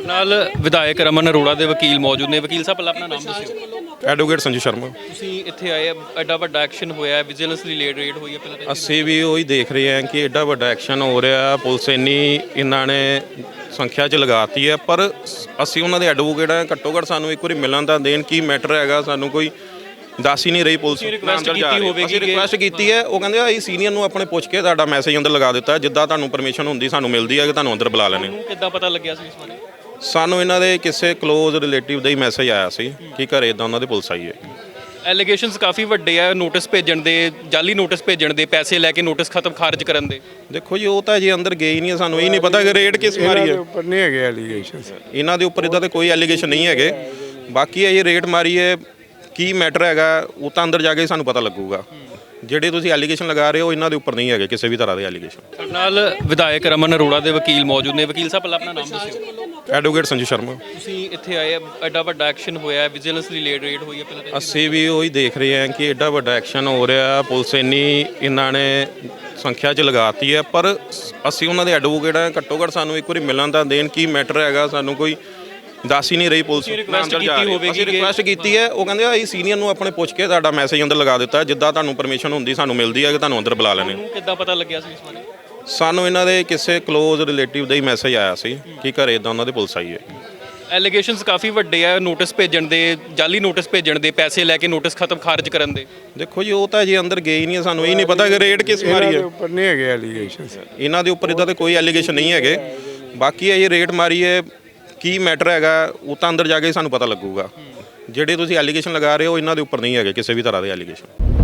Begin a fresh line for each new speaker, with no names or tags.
ਨਾਲ ਵਿਧਾਇਕ ਰਮਨ ਅਰੋੜਾ ਦੇ ਵਕੀਲ ਮੌਜੂਦ ਨੇ। ਵਕੀਲ ਸਾਹਿਬ ਪਹਿਲਾਂ ਆਪਣਾ ਨਾਮ ਦੱਸਿਓ।
ਐਡਵੋਕੇਟ ਸੰਜੂ ਸ਼ਰਮਾ।
ਤੁਸੀਂ ਇੱਥੇ ਆਏ, ਐਡਾ ਵੱਡਾ ਐਕਸ਼ਨ ਹੋਇਆ, ਵਿਜੀਲੈਂਸ ਦੀ ਰੇਡ ਹੋਈ ਹੈ ਪਹਿਲਾਂ।
ਅਸੀਂ ਵੀ ਉਹੀ ਦੇਖ ਰਹੇ ਹਾਂ ਕਿ ਐਡਾ ਵੱਡਾ ਐਕਸ਼ਨ ਹੋ ਰਿਹਾ, ਪੁਲਿਸ ਇੰਨੀ ਇਹਨਾਂ ਨੇ ਸੰਖਿਆ 'ਚ ਲਗਾਤੀ ਹੈ, ਪਰ ਅਸੀਂ ਉਹਨਾਂ ਦੇ ਐਡਵੋਕੇਟ ਹਾਂ। ਘੱਟੋ ਘੱਟ ਸਾਨੂੰ ਇੱਕ ਵਾਰੀ ਮਿਲਣ ਤਾਂ ਦੇਣ, ਕੀ ਮੈਟਰ ਹੈਗਾ, ਸਾਨੂੰ ਕੋਈ ਦੱਸ ਹੀ ਨਹੀਂ ਰਹੀ ਪੁਲਿਸ। ਅਸੀਂ ਰਿਕੁਐਸਟ ਕੀਤੀ ਹੈ, ਉਹ ਕਹਿੰਦੇ ਅਸੀਂ ਸੀਨੀਅਰ ਨੂੰ ਆਪਣੇ ਪੁੱਛ ਕੇ ਤੁਹਾਡਾ ਮੈਸੇਜ ਅੰਦਰ ਲਗਾ ਦਿੱਤਾ, ਜਿੱਦਾਂ ਤੁਹਾਨੂੰ ਪਰਮਿਸ਼ਨ ਹੁੰਦੀ ਸਾਨੂੰ ਮਿਲਦੀ ਹੈ ਕਿ ਤੁਹਾਨੂੰ ਅੰਦਰ ਬੁਲਾ ਲੈਣੇ।
ਕਿੱਦਾਂ ਪਤਾ ਲੱਗਿਆ ਸੀ ਇਸ ਬਾਰੇ?
ਸਾਨੂੰ ਇਹਨਾਂ ਦੇ ਕਿਸੇ ਕਲੋਜ਼ ਰਿਲੇਟਿਵ ਦਾ ਹੀ ਮੈਸੇਜ ਆਇਆ ਸੀ ਕਿ ਘਰੇ ਇਦਾਂ ਉਹਨਾਂ ਦੇ ਪੁਲਿਸ ਆਈ ਹੈ।
ਐਲੀਗੇਸ਼ਨਸ ਕਾਫੀ ਵੱਡੇ ਆ, ਨੋਟਿਸ ਭੇਜਣ ਦੇ, ਜਾਲੀ ਨੋਟਿਸ ਭੇਜਣ ਦੇ, ਪੈਸੇ ਲੈ ਕੇ ਨੋਟਿਸ ਖਤਮ ਖਾਰਜ ਕਰਨ ਦੇ।
ਦੇਖੋ ਜੀ, ਉਹ ਤਾਂ ਜੇ ਅੰਦਰ ਗਏ ਹੀ ਨਹੀਂ, ਸਾਨੂੰ ਇਹ ਨਹੀਂ ਪਤਾ ਕਿ ਰੇਡ ਕਿਸ ਮਾਰੀ ਹੈ।
ਉੱਪਰ ਨਹੀਂ ਹੈਗੇ ਐਲੀਗੇਸ਼ਨ,
ਇਹਨਾਂ ਦੇ ਉੱਪਰ ਇਦਾਂ ਦੇ ਕੋਈ ਐਲੀਗੇਸ਼ਨ ਨਹੀਂ ਹੈਗੇ। ਬਾਕੀ ਇਹ ਰੇਡ ਮਾਰੀ ਹੈ, ਕੀ ਮੈਟਰ ਹੈਗਾ ਉਹ ਤਾਂ ਅੰਦਰ ਜਾ ਕੇ ਸਾਨੂੰ ਪਤਾ ਲੱਗੂਗਾ। ਜਿਹੜੇ ਤੁਸੀਂ ਐਲੀਗੇਸ਼ਨ ਲਗਾ ਰਹੇ ਹੋ ਇਹਨਾਂ ਦੇ ਉੱਪਰ ਨਹੀਂ ਹੈਗੇ ਕਿਸੇ ਵੀ ਤਰ੍ਹਾਂ ਦੇ ਐਲੀਗੇਸ਼ਨ।
ਸਾਡੇ ਨਾਲ ਵਿਧਾਇਕ ਰਮਨ ਅਰੋੜਾ ਦੇ ਵਕੀਲ ਮੌਜੂਦ ਨੇ। ਵਕੀਲ ਸਾਹਿਬ ਪਹਿਲਾਂ ਆਪਣਾ ਨਾਮ ਦੱਸਿਓ।
ਐਡਵੋਕੇਟ ਸੰਜੂ ਸ਼ਰਮਾ।
ਤੁਸੀਂ ਇੱਥੇ ਆਏ, ਐਡਾ ਵੱਡਾ ਐਕਸ਼ਨ ਹੋਇਆ, ਵਿਜੀਲੈਂਸ ਦੀ ਰੇਡ ਹੋਈ ਹੈ ਪਹਿਲਾਂ।
ਅਸੀਂ ਵੀ ਉਹੀ ਦੇਖ ਰਹੇ ਹਾਂ ਕਿ ਐਡਾ ਵੱਡਾ ਐਕਸ਼ਨ ਹੋ ਰਿਹਾ, ਪੁਲਿਸ ਇੰਨੀ ਇਹਨਾਂ ਨੇ ਸੰਖਿਆ 'ਚ ਲਗਾਤੀ ਹੈ, ਪਰ ਅਸੀਂ ਉਹਨਾਂ ਦੇ ਐਡਵੋਕੇਟ ਹਾਂ। ਘੱਟੋ ਘੱਟ ਸਾਨੂੰ ਇੱਕ ਵਾਰੀ ਮਿਲਣ ਤਾਂ ਦੇਣ, ਕੀ ਮੈਟਰ ਹੈਗਾ, ਸਾਨੂੰ ਕੋਈ ਦੱਸ ਹੀ ਨਹੀਂ ਰਹੀ ਪੁਲਿਸ। ਅਸੀਂ ਰਿਕੁਐਸਟ ਕੀਤੀ ਹੈ, ਉਹ ਕਹਿੰਦੇ ਅਸੀਂ ਸੀਨੀਅਰ ਨੂੰ ਆਪਣੇ ਪੁੱਛ ਕੇ ਤੁਹਾਡਾ ਮੈਸੇਜ ਅੰਦਰ ਲਗਾ ਦਿੱਤਾ, ਜਿੱਦਾਂ ਤੁਹਾਨੂੰ ਪਰਮਿਸ਼ਨ ਹੁੰਦੀ ਸਾਨੂੰ ਮਿਲਦੀ ਹੈ ਕਿ ਤੁਹਾਨੂੰ ਅੰਦਰ ਬੁਲਾ ਲੈਣੇ।
ਕਿੱਦਾਂ ਪਤਾ ਲੱਗਿਆ ਸੀ ਇਸ ਬਾਰੇ?
ਸਾਨੂੰ ਇਹਨਾਂ ਦੇ ਕਿਸੇ ਕਲੋਜ਼ ਰਿਲੇਟਿਵ ਦਾ ਹੀ ਮੈਸੇਜ ਆਇਆ ਸੀ ਕਿ ਘਰੇ ਇਦਾਂ ਉਹਨਾਂ ਦੇ ਪੁਲਿਸ ਆਈ ਹੈ।
ਐਲੀਗੇਸ਼ਨਸ ਕਾਫੀ ਵੱਡੇ ਆ, ਨੋਟਿਸ ਭੇਜਣ ਦੇ, ਜਾਲੀ ਨੋਟਿਸ ਭੇਜਣ ਦੇ, ਪੈਸੇ ਲੈ ਕੇ ਨੋਟਿਸ ਖਤਮ ਖਾਰਜ ਕਰਨ ਦੇ।
ਦੇਖੋ ਜੀ, ਉਹ ਤਾਂ ਜੇ ਅੰਦਰ ਗਏ ਹੀ ਨਹੀਂ, ਸਾਨੂੰ ਇਹ ਨਹੀਂ ਪਤਾ ਕਿ ਰੇਡ ਕਿਸ ਮਾਰੀ ਹੈ।
ਉੱਪਰ ਨਹੀਂ ਹੈਗੇ ਐਲੀਗੇਸ਼ਨ,
ਇਹਨਾਂ ਦੇ ਉੱਪਰ ਇਦਾਂ ਦੇ ਕੋਈ ਐਲੀਗੇਸ਼ਨ ਨਹੀਂ ਹੈਗੇ। ਬਾਕੀ ਇਹ ਰੇਡ ਮਾਰੀ ਹੈ, ਕੀ ਮੈਟਰ ਹੈਗਾ ਉਹ ਤਾਂ ਅੰਦਰ ਜਾ ਕੇ ਸਾਨੂੰ ਪਤਾ ਲੱਗੂਗਾ। ਜਿਹੜੇ ਤੁਸੀਂ ਐਲੀਗੇਸ਼ਨ ਲਗਾ ਰਹੇ ਹੋ ਇਹਨਾਂ ਦੇ ਉੱਪਰ ਨਹੀਂ ਹੈਗੇ ਕਿਸੇ ਵੀ ਤਰ੍ਹਾਂ ਦੇ ਐਲੀਗੇਸ਼ਨ।